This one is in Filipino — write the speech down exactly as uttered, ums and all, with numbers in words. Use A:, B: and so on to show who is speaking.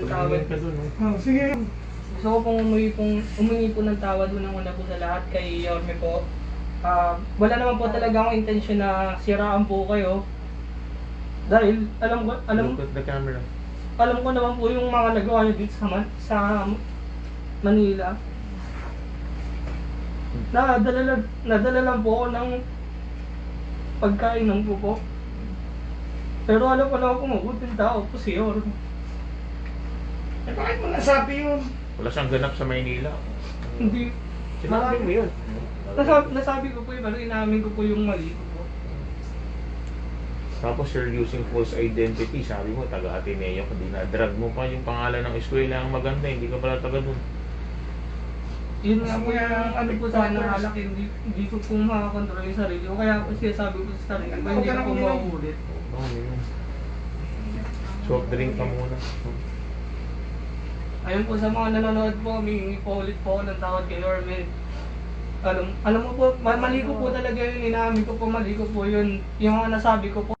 A: tawad.
B: Tumingin ka dun, no?
C: Oh, sige.
A: Gusto ko pong umuwi, pong, umingi po ng tawad unang-una po sa lahat kay Yorme po. Ah, wala naman po talaga akong intensyon na siraan po kayo. Dahil alam ko, alam,
B: Look at the camera.
A: alam ko naman po yung mga nagawa niyo dito sa, Man- sa Manila. Nadala, lang- nadala lang po ako ng pagkain ng po po. Pero alam ko naman po mabuting tao po si Yorme.
C: Eh, bakit mo nasabi yun?
B: Wala siyang ganap sa Maynila.
A: Hindi.
B: Sinabi mo yun.
A: Nasabi, nasabi ko po yun, pero inamin ko po yung mali ko po.
B: Tapos you're using false identity. Sabi mo, taga-Ateneo ka. Dinadrag mo pa yung pangalan ng eskwela ang maganda. Hindi ka pala taga dun.
A: Yun nga po yung ano po sana alak, hindi, hindi ko po makakontrol yung sarili ko. Kaya po siya sabi ko sa sarili ko, hindi ko po mauulit.
B: Oh, yun. Soft drink ka muna.
A: Ayun po sa mga nanonood po, humingi po ulit po ako ng tawad kay Yorme. Alam, alam mo po, ma- mali ko po talaga yun, inamin ko po, mali ko po yun. Yung mga nasabi ko po,